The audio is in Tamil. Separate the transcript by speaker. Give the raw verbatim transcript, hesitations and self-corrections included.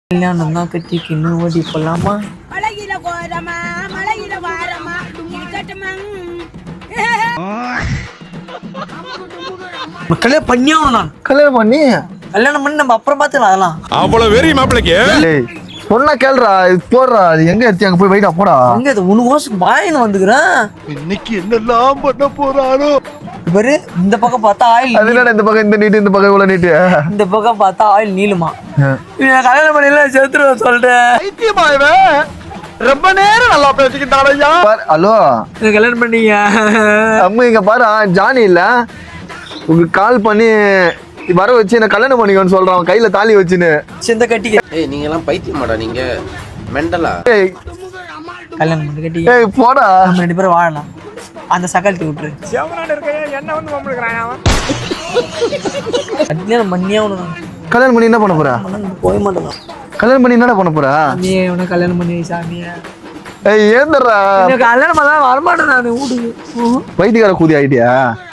Speaker 1: கல்யாணம் தான் கட்டிக்கு இன்னும் ஓடி போலாமா?
Speaker 2: மலையில கோரமா மலையில வாரமா இருக்கட்டுமா?
Speaker 1: கல்யாணம் பண்ணியாவும் நான்
Speaker 3: கல்யாணம் பண்ணி
Speaker 1: கல்யாணம் பண்ணி நம்ம அப்புறம் பார்த்துக்கலாம் அதெல்லாம்.
Speaker 4: அவ்வளவு வெறி மாப்பிளைக்கு
Speaker 3: சொன்னா கேளுடா, இது போடுறா, அது எங்க எடுத்து அங்க போய் வைடா போடா.
Speaker 1: அங்க இது உனக்கு கோசம் பாயின்னு வந்துக்கிறேன்.
Speaker 4: இன்னைக்கு என்னெல்லாம் பண்ண போறானோ
Speaker 1: பாரு, இந்த பக்கம் பார்த்தா ஆயில்,
Speaker 3: அது என்னடா இந்த பக்கம் இந்த நீட்டு, இந்த பக்கம் இவ்வளவு நீட்டு,
Speaker 1: இந்த பக்கம் பார்த்தா ஆயில் நீளுமா. கல்யாணம் பண்ணல செத்துருவேன் சொல்றேன்.
Speaker 4: ரொம்ப நேரம் நல்லா பேசிக்கிட்டாரையா.
Speaker 3: ஹலோ,
Speaker 1: கல்யாணம் பண்ணீங்க
Speaker 3: அம்மா இங்க பாரு, ஜானி இல்ல உங்களுக்கு கால் பண்ணி வர வச்சு என்ன கல்யாணம் பண்ணிக்கோன்னு சொல்றான், கையில தாலி வச்சுன்னு.
Speaker 1: சிந்த கட்டிக்க.
Speaker 5: ஏய் நீங்க எல்லாம் பைத்தியமாடா, நீங்க மெண்டலா?
Speaker 3: ஏய்
Speaker 1: கல்யாணம் பண்ணி கட்டிக்க.
Speaker 3: ஏய் போடா,
Speaker 1: நம்ம ரெண்டு பேரும் வாழலாம். அந்த சகலத்தை விட்டுரு.
Speaker 4: என்ன வந்து மம்பளுக்குறான்
Speaker 1: கல்யாணம் பண்ணியா உனக்கு
Speaker 3: கல்யாணம் பண்ணி என்ன பண்ண போற?
Speaker 1: போய் மாட்டேன்.
Speaker 3: கல்யாணம் பண்ணி என்னடா பண்ண போற?
Speaker 1: நீ உனக்கு கல்யாணம் பண்ணி சாமியா
Speaker 3: ஏய் ஏந்தர்றா,
Speaker 1: கல்யாணம் பண்ண வரமாட்டேன் நான் வீட்டுக்கு.
Speaker 3: வைத்தியக்கார கூதி ஆயிட்டியா?